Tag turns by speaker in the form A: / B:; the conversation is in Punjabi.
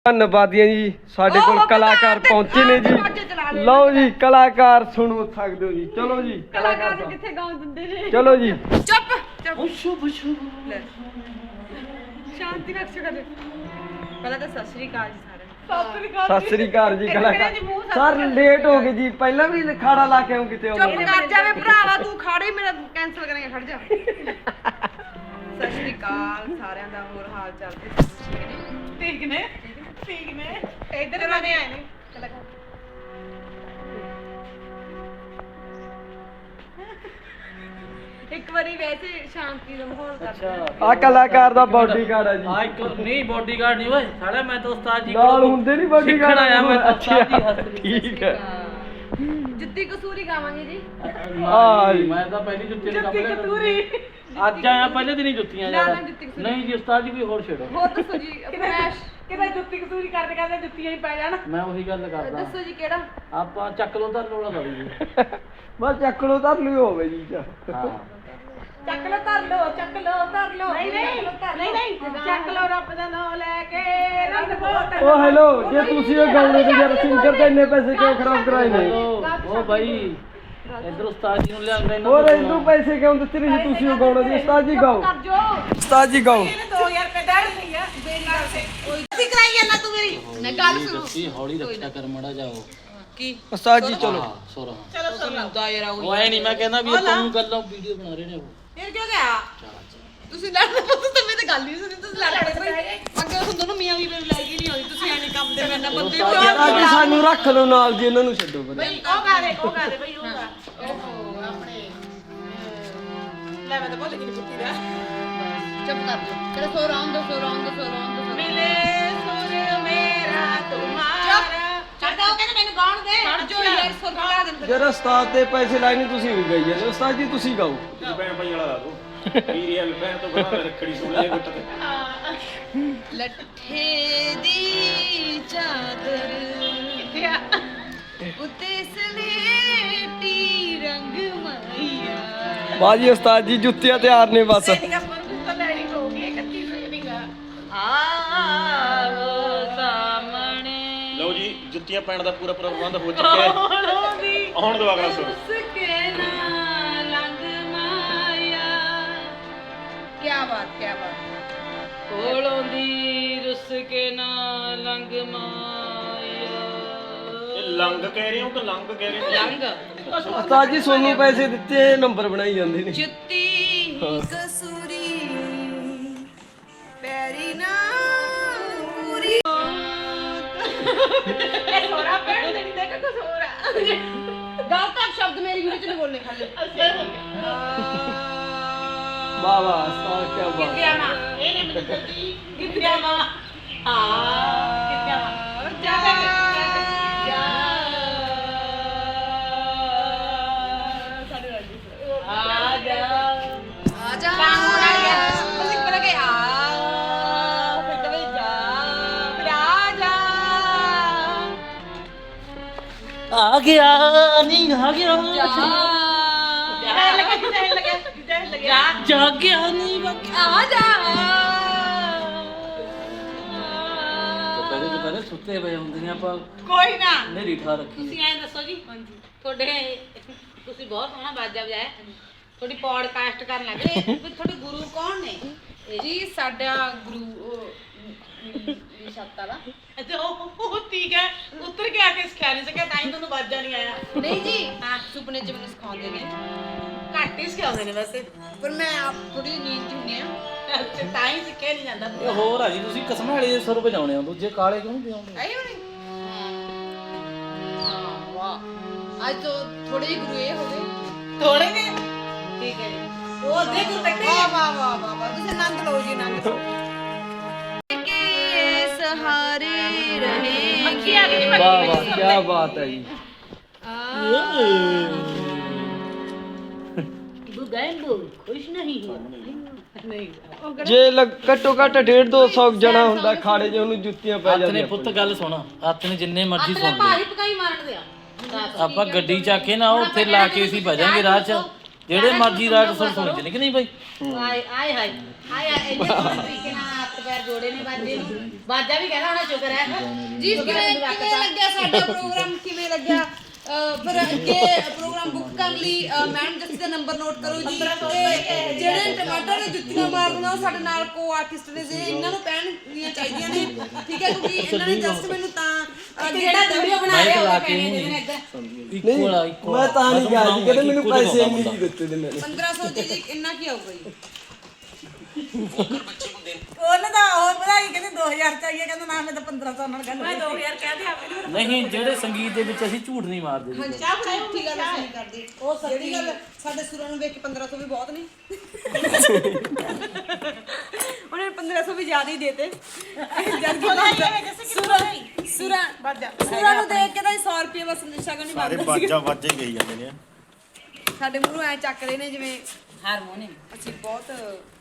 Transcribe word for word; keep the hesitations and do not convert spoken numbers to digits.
A: ਧੰਨਵਾਦੀਆਂ ਜੀ ਸਾਡੇ ਕੋਲ ਕਲਾਕਾਰ ਪਹੁੰਚੇ ਨੇ ਜੀ। ਲਓ ਜੀ ਕਲਾਕਾਰ ਸੁਣੋ ਸਕਦੇ ਹੋ ਜੀ। ਚਲੋ ਜੀ
B: ਕਲਾਕਾਰ ਕਿੱਥੇ ਗਾਉਂ ਦਿੰਦੇ ਨੇ।
A: ਚਲੋ ਜੀ
B: ਚੁੱਪ ਚੁੱਪ ਬੁਸ਼ੂ ਬੁਸ਼ੂ ਸ਼ਾਂਤੀ ਰੱਖ ਸਕਦੇ। ਪਹਿਲਾਂ ਤਾਂ ਸਤਿ ਸ੍ਰੀ ਅਕਾਲ ਜੀ ਸਾਰਿਆਂ
A: ਸਤਿ ਸ੍ਰੀ ਅਕਾਲ ਜੀ ਕਲਾਕਾਰ। ਸਰ ਲੇਟ ਹੋ ਗਏ ਜੀ, ਪਹਿਲਾਂ ਵੀ ਖਾੜਾ ਲਾ ਕੇ ਆਉਂ ਕਿਤੇ ਹੋ
B: ਚੁੱਪ ਕਰ ਜਾਵੇ ਭਰਾਵਾ, ਤੂੰ ਖਾੜੇ ਮੇਰਾ ਕੈਂਸਲ ਕਰੇਗਾ, ਖੜ ਜਾ। ਸਤਿ ਸ੍ਰੀ ਅਕਾਲ ਸਾਰਿਆਂ ਦਾ, ਹੋਰ ਹਾਲ ਚਾਲ ਠੀਕ ਨੇ? ਠੀਕ ਨੇ ਇੱਧਰ ਆਨੇ ਆਏ ਨੇ ਕਲਾਕਾਰ। ਇੱਕ ਵਾਰੀ ਵੈਸੇ ਸ਼ਾਂਤੀ ਦਾ ਮਾਹੌਲ ਕਰ।
A: ਆ ਕਲਾਕਾਰ ਦਾ ਬਾਡੀਗਾਰਡ ਹੈ ਜੀ।
C: ਆ ਇੱਕ ਨਹੀਂ ਬਾਡੀਗਾਰਡ ਨਹੀਂ ਓਏ ਸਾਲਾ, ਮੈਂ ਤਾਂ ਉਸਤਾਦ ਜੀ
A: ਨਾਲ ਹੁੰਦੇ ਨਹੀਂ ਬਾਡੀਗਾਰਡ
C: ਆਇਆ ਮੈਂ ਤਾਂ ਉਸਤਾਦ ਜੀ ਹੱਸਦੀ।
A: ਠੀਕ ਹੈ
B: ਜੁੱਤੀ ਕਸੂਰੀ ਗਾਵਾਂਗੇ ਜੀ।
A: ਆ
C: ਮੈਂ ਤਾਂ ਪਹਿਲੀ ਜੁੱਤੀ ਦੇ
B: ਜੁੱਤੀ
C: ਕੱਪੜੇ
B: ਕਸੂਰੀ
C: ਅੱਜ ਆਇਆ, ਪਹਿਲੇ ਦਿਨ ਹੀ ਜੁੱਤੀਆਂ
B: ਨਾ,
C: ਯਾਰ।
B: ਨਾ, ਜੁੱਤੀ ਕਸੂਰੀ।
C: ਨਹੀਂ ਜੀ ਉਸਤਾਦ ਜੀ ਕੋਈ ਹੋਰ ਛੇੜੋ।
B: ਹੋਰ ਦੱਸੋ ਜੀ ਫਰੈਸ਼ ਕਿਹਦਾ ਜੁੱਤੀ ਕਸੂਰੀ ਕਰਦੇ ਕਰਦੇ ਜੁੱਤੀਆਂ ਹੀ ਪੈ ਜਾਣ।
C: ਮੈਂ ਉਹੀ ਗੱਲ ਕਰਦਾ।
B: ਦੱਸੋ ਜੀ ਕਿਹੜਾ
C: ਆਪਾਂ ਚੱਕ ਲੋ ਤਾਂ ਲੋੜਾ ਲਾ ਲਈ।
A: ਬਸ ਚੱਕ ਲੋ ਤਾਂ ਲਿਓ ਹੋਵੇ ਜੀ।
C: ਹਾਂ
B: ਚੱਕ ਲੋ ਧਰ ਲੋ, ਚੱਕ ਲੋ ਧਰ ਲੋ। ਨਹੀਂ ਨਹੀਂ ਨਹੀਂ ਨਹੀਂ ਚੱਕ ਲੋ ਰੱਬ ਦਾ ਨਾਮ ਲੈ ਕੇ ਰੰਗ ਬੋਟ।
A: ਓ ਹੈਲੋ, ਜੇ ਤੁਸੀਂ ਇਹ ਗਾਉਣੇ ਦੇ ਯਾਰ ਸਿੰਗਰ ਦੇ ਇੰਨੇ ਪੈਸੇ ਕਿਉਂ ਖਰਾਬ ਕਰਾਏ ਨੇ?
C: ਉਹ ਭਾਈ ਇੱਧਰ ਉਸਤਾਦ ਜੀ ਨੂੰ ਲਿਆਂਦਾ ਇਹਨਾਂ
A: ਹੋਰ ਇਹਨੂੰ ਪੈਸੇ ਕਿਉਂ ਦਿੱਤੇ ਨੇ ਜੀ? ਤੁਸੀਂ ਉਹ ਗਾਉਣਾ ਜੀ। ਉਸਤਾਦ ਜੀ ਗਾਓ,
B: ਕਰ ਜੋ
A: ਉਸਤਾਦ ਜੀ ਗਾਓ।
B: ਦੋ ਹਜ਼ਾਰ ਰੁਪਏ ਡਰ ਸਹੀ ਆ ਬੇਕਾਰ ਸੇ ਕੋਈ ਤੁਸੀਂ ਕਰਾਈ ਜਾਂਦਾ ਤੂੰ ਮੇਰੀ ਨਾ ਗੱਲ ਸੁਣੋ।
C: ਜੁੱਤੀ ਹੌਲੀ ਰੱਖਿਆ ਕਰ ਮੜਾ ਜਾਓ।
B: ਕੀ
A: ਉਸਤਾਦ ਜੀ ਚਲੋ
C: ਹਾਂ ਸੁਰ ਹਾਂ।
B: ਚਲੋ ਸੁਣੋ ਦਾਇਰਾ
C: ਉਹ ਐ ਨਹੀਂ ਮੈਂ ਕਹਿੰਦਾ ਵੀ ਤੂੰ ਗੱਲਾਂ ਵੀਡੀਓ ਬਣਾ ਰਹੇ ਨੇ ਉਹ।
B: ਇਹ ਕਿਉਂ ਗਿਆ? ਤੁਸੀਂ ਲੜਦੇ ਹੋ ਤਾਂ ਮੇਰੇ ਗੱਲ ਨਹੀਂ ਸੁਣੀ, ਤੁਸੀਂ ਲੜ ਰਹੇ ਅੱਗੇ ਹੁੰਦਾ ਨਾ ਮੀਆਂ ਵੀ ਲੈ ਕੇ ਨਹੀਂ ਆਉਂਦੀ, ਤੁਸੀਂ ਐਨੇ ਕੰਮ ਦੇ ਮੈਨਾਂ ਬੰਦੇ
A: ਉਸਤਾਦ ਜੀ ਸਾਨੂੰ ਰੱਖ ਲਓ ਨਾਲ ਜੀ, ਇਹਨਾਂ ਨੂੰ ਛੱਡੋ ਪਰੇ।
B: ਬਈ ਉਹ ਗਾ ਦੇ ਉਹ ਗਾ ਦੇ ਬਈ ਉਹ ਗਾ। ਓਹੋ ਆਪਣੇ ਲੈ ਮੈਂ ਤਾਂ ਬੋਲ ਕੇ ਨਹੀਂ ਪੁੱਤੀ ਦਾ। ਚੁੱਪ ਕਰ ਜਾ। ਤੇਰਾ ਸੋ ਰੌਂਦ ਸੋ ਰੌਂਦ ਸੋ ਰੌਂਦ ਮਿਲੇ ਸੁਰ ਮੇਰਾ ਤੁਮਾਰਾ। ਛੱਡ ਦੋ, ਕਹਿੰਦੇ ਮੈਨੂੰ ਗਾਉਣ ਦੇ। ਛੱਡ ਜੋ ਯਾਰ ਸੁਰ ਗਾ ਦੇ।
A: ਜਿਹੜਾ ਉਸਤਾਦ ਤੇ ਪੈਸੇ ਲਾਏ ਨੇ ਤੁਸੀਂ ਵੀ ਗਾਈ ਜਾਂਦੇ। ਉਸਤਾਦ ਜੀ ਤੁਸੀਂ ਗਾਓ।
D: ਤੁਸੀਂ ਭੈਣ ਭਾਈ ਵਾਲਾ ਲਾ ਦੋ। ਵੀਰੇ ਵਾਲੀ ਭੈਣ ਤੋਂ ਬਣਾ ਰੱਖੜੀ ਸੋਹਣੀ ਜਿਹੀ ਗੁੱਟ ਤੇ।
B: ਲੱਠੇ ਦੀ ਚਾਦਰ ਕਿੱਥੇ ਆ ਉੱਤੇ ਸਲੇਟੀ ਰੰਗ ਮਾਇਆ।
A: ਬਾਜੀ ਉਸਤਾਦ ਜੀ ਜੁੱਤੀਆਂ ਤਿਆਰ ਨੇ ਬਸ।
D: ਲਓ ਜੀ ਜੁੱਤੀਆਂ ਪੈਣ ਦਾ ਪੂਰਾ ਪ੍ਰਬੰਧ ਹੋ ਚੁੱਕਿਆ ਹੈ। ਆਉਣ ਦੋ ਅਗਲਾ ਸੁਰ।
B: ਕਿਆ ਬਾਤ ਕਿਆ ਬਾਤ।
C: ਕੋਲੋਂ ਦੀ ਰੁੱਸ ਕੇ ਨਾ ਲੰਗ ਮਾਇਆ।
D: ਇਹ ਲੰਗ ਕਹਿ ਰਹੇ ਹੋ ਕਿ ਲੰਗ ਕਹਿ ਰਹੇ ਹੋ?
C: ਲੰਗ
A: ਉਸਤਾਦ ਜੀ ਸੋਨੂੰ ਪੈਸੇ ਦਿੱਤੇ, ਨੰਬਰ ਬਣਾਈ ਜਾਂਦੇ ਨੇ।
B: ਜੁੱਤੀ ਕਸੂਰੀ ਪੈਰੀ ਨਾ ਪੂਰੀ। ਇਹ ਸੋਰਾ ਪੈਣ ਦੇ ਨਹੀਂ ਦੇਖਾ ਕੁਛ ਹੋਰ ਆ। ਗਲਤ ਸ਼ਬਦ ਮੇਰੀ ਵੀਡੀਓ ਚ ਨਹੀਂ ਬੋਲਨੇ ਖਾਲੀ।
A: ਵਾਹ ਵਾਹ ਉਸਤਾਦ ਕੀ ਬਾਤ।
B: ਕਿੱਥਿਆ ਮਾਂ ਇਹ ਨਹੀਂ ਮੈਨੂੰ ਪਤੀ ਕਿੱਥਿਆ ਮਾਂ। ਹਾਂ ਕਿੱਥਿਆ ਮਾਂ ਜਾ ਜਾ ਸਾਡੇ ਰਾਜੀ ਆ ਜਾ ਆ ਜਾ ਕਾਨੂੰਨ ਆ ਗਿਆ। ਅਸੀਂ ਕਰ ਗਏ ਆ ਫਿਰ ਤੇ ਜਾ ਫਿਰ ਆ ਜਾ
C: ਆ ਗਿਆ ਨਹੀਂ ਆ ਗਿਆ
B: ਜਾ ਲੱਗੇ ਕਿੱਥੇ ਲੱਗੇ ਕਿੱਥੇ ਲੱਗੇ ਜਾ
C: ਜਾਗਿਆ ਨਹੀਂ ਬਾਕੀ
B: ਆ ਜਾ।
C: ਪਹਿਲੇ ਦੁਪਹਿਰੇ ਸੁੱਤੇ ਪਏ ਹੁੰਦੇ ਨੇ ਆਪਾਂ
B: ਕੋਈ ਨਾ
C: ਨੇਰੀ ਠਾ ਰੱਖੀ।
E: ਤੁਸੀਂ ਐਂ ਦੱਸੋ ਜੀ ਹਾਂਜੀ ਤੁਹਾਡੇ ਤੁਸੀਂ ਬਹੁਤ ਸੋਹਣਾ ਬਾਜਾ ਵਜਾਇਆ, ਤੁਹਾਡੀ ਪੋਡਕਾਸਟ ਕਰਨ ਲੱਗ ਰਹੇ ਵੀ ਤੁਹਾਡੇ ਗੁਰੂ ਕੌਣ ਨੇ?
B: ਜੀ ਸਾਡਾ ਗੁਰੂ ਸ਼ਬਦਾਂ ਦਾ
E: ਅੱਛਾ ਉਹ ਠੀਕ ਹੈ, ਉੱਤਰ ਕੇ ਆ ਕੇ ਸਿਖਾ ਨਹੀਂ ਸਕਿਆ ਤਾਂ ਹੀ ਤੁਹਾਨੂੰ ਬਾਜਾ ਨਹੀਂ ਆਇਆ।
B: ਨਹੀਂ ਜੀ ਹਾਂ ਸੁਪਨੇ ਚ ਮੈਨੂੰ ਸਿਖਾਉਂਦੇ ਨੇ,
E: ਘੱਟ ਹੀ ਸਿਖਾਉਂਦੇ ਨੇ ਵੈਸੇ,
B: ਪਰ ਮੈਂ ਆਪ ਥੋੜੀ ਨੀਂਦ ਚ ਹੁੰਨੀ ਆ।
E: ਅੱਛਾ ਤਾਂ ਹੀ ਸਿੱਖਿਆ ਨਹੀਂ ਜਾਂਦਾ।
C: ਇਹ ਹੋਰ ਆ ਜੀ, ਤੁਸੀਂ ਕਸਮਾਲੇ ਦੇ ਸੁਰ ਵਜਾਉਣੇ ਆ, ਦੂਜੇ ਕਾਲੇ ਕਿਉਂ ਨਹੀਂ ਵਜਾਉਂਦੇ?
B: ਆਈ ਹੋਣੀ ਹਾਂ ਵਾਹ। ਅੱਜ ਤੋਂ ਥੋੜੇ ਜਿਹੇ ਗੁਰੂ ਇਹ ਹੋ ਗਏ
E: ਥੋੜੇ ਨੇ ਠੀਕ ਹੈ ਜੀ। ਉਹ ਅੱਧੇ ਗੁਰੂ ਕੱਟੇ
B: ਵਾਹ ਵਾਹ ਵਾਹ ਵਾਹ ਵਾਹ। ਤੁਸੀਂ ਆਨੰਦ ਲਓ ਜੀ ਆਨੰਦ ਲਓ। ਕੇ ਸਹਾਰੇ ਰਹੇ
E: ਮੱਖੀ ਆ ਗਈ।
A: ਵਾਹ ਵਾਹ ਕੀ ਬਾਤ ਹੈ ਜੀ।
E: ਬੁਗੈਂਬੂ ਖੁਸ਼ ਨਹੀਂ ਹੈ ਨਹੀਂ
A: ਜੇ ਲੱਗ- ਘੱਟੋ ਘੱਟ ਡੇਢ ਦੋ ਸੌ ਜਣਾ ਹੁੰਦਾ ਖਾੜੇ 'ਚ, ਉਹਨੂੰ ਜੁੱਤੀਆਂ ਪੈ
C: ਹੱਥ ਨੇ
A: ਜਾਂਦੀਆਂ।
C: ਪੁੱਤ ਗੱਲ ਸੁਣ, ਹੱਥ ਨੇ ਜਿੰਨੇ ਮਰਜ਼ੀ
E: ਆਪਣੇ
C: ਸੁਣ
E: ਭਾਰੀ
C: ਲੈ,
E: ਪਕਾਈ ਮਾਰਨ ਦੇ ਆ
C: ਆਪਾਂ ਗੱਡੀ ਚੱਕ ਕੇ ਨਾ ਉੱਥੇ ਲਾ ਕੇ ਅਸੀਂ ਭਜਾਂਗੇ ਰਾਹ 'ਚ, ਜਿਹੜੇ ਮਰਜ਼ੀ ਰਾਹ 'ਚ ਸੁਣ ਸੁਣ ਚ ਕਿ ਨਹੀਂ ਬਾਈ?
E: ਆਏ ਆਏ ਹਾਏ ਆ ਯਾਰ ਇੰਨੇ ਸੋਹਣੇ ਤਰੀਕੇ ਨਾਲ ਹੱਥ ਪੈਰ ਜੋੜੇ ਨੇ ਬਾਜੇ ਨੂੰ ਬਾਜਾ ਵੀ ਕਹਿੰਦਾ ਹੋਣਾ ਸ਼ੁਕਰ ਹੈ
B: ਜੀ ਕਿਵੇਂ ਕਿਵੇਂ ਲੱਗਿਆ ਸਾਡਾ ਪ੍ਰੋਗਰਾਮ ਕਿਵੇਂ ਲੱਗਿਆ ਅਹ ਫਿਰ ਅੱਗੇ ਪ੍ਰੋਗਰਾਮ ਬੁੱਕ ਕਰਨ ਲਈ ਮੈਡਮ ਜੱਸੀ ਦਾ ਨੰਬਰ ਨੋਟ ਕਰੋ ਜੀ ਤੇ ਜਿਹੜੇ ਟਮਾਟਰ ਦੇ ਜੁੱਤੀਆਂ ਮਾਰਦੀਆਂ ਉਹ ਸਾਡੇ ਨਾਲ ਕੋ ਆਰਟਿਸਟ ਨੇ ਜੀ ਇਹਨਾਂ ਨੂੰ ਪਹਿਨਣੀਆਂ ਚਾਹੀਦੀਆਂ ਨੇ ਠੀਕ ਹੈ ਕਿਉਂਕਿ ਇਹਨਾਂ ਨੇ ਜਸਟ ਮੈਨੂੰ ਤਾਂ
E: ਜਿਹੜਾ ਵੀਡੀਓ ਬਣਾ ਰਿਹਾ ਉਹ ਕਹਿੰਦੇ ਨੇ ਇੱਧਰ
C: ਇਕੁਅਲ ਆ equal
A: ਮੈਂ ਤਾਂ ਨਹੀਂ ਗਿਆ ਜੀ ਕਹਿੰਦੇ ਮੈਨੂੰ
C: ਇੱਕੋ ਜਿਹੇ
A: ਪੈਸੇ
C: ਮੌਕਾ
A: ਨਹੀਂ ਦਿੱਤੇ ਦਿੰਦੇ ਨੇ
B: ਪੰਦਰਾਂ ਸੌ ਜੀ ਜੀ ਇੰਨਾ ਕੀ ਆਊਗਾ ਜੀ
F: ਉਹਨਾਂ ਦਾ ਹੋਰ ਵਧਾਈ ਕਹਿੰਦੇ ਦੋ ਹਜ਼ਾਰ ਚਾਹੀਏ ਕਹਿੰਦਾ ਨਾ ਮੈਂ ਤਾਂ ਪੰਦਰਾਂ ਸੌ ਨਾਲ ਗੱਲ ਮੈਂ ਦੋ ਹਜ਼ਾਰ ਕਹਦੇ ਆਪੇ
C: ਨਹੀਂ ਜਿਹੜੇ ਸੰਗੀਤ ਦੇ ਵਿੱਚ ਅਸੀਂ ਝੂਠ ਨਹੀਂ ਮਾਰਦੇ ਜੀ।
B: ਹਾਂਜੀ ਚਾਹ ਠੀਕ ਗੱਲ ਨਹੀਂ ਕਰਦੀ ਉਹ ਜਿਹੜੀ ਗੱਲ ਸਾਡੇ ਸੁਰਾਂ ਨੂੰ ਵੇਖ ਕੇ ਪੰਦਰਾਂ ਸੌ ਵੀ ਬਹੁਤ ਨੇ ਉਹਨੇ ਪੰਦਰਾਂ ਸੌ ਵੀ ਜ਼ਿਆਦਾ ਹੀ ਦੇਤੇ ਜਦ ਕਿ ਸੁਰਾਂ ਸੁਰਾਂ ਸੁਰਾਂ ਨੂੰ ਦੇਖ ਕੇ ਤਾਂ ਸੌ ਰੁਪਏ ਬਸ ਸ਼ਗਨ ਨਹੀਂ
D: ਸਾਰੇ
B: ਬਣਦਾ
D: ਬਾਜਾ ਵਾਜੇ ਗਈ ਜਾਂਦੇ ਨੇ
B: ਸਾਡੇ ਮੂੰਹੋਂ ਐ ਚੱਕ ਰਹੇ ਨੇ ਜਿਵੇਂ
E: ਹਾਰਮੋਨੀਅਮ
B: ਅਸੀਂ ਬਹੁਤ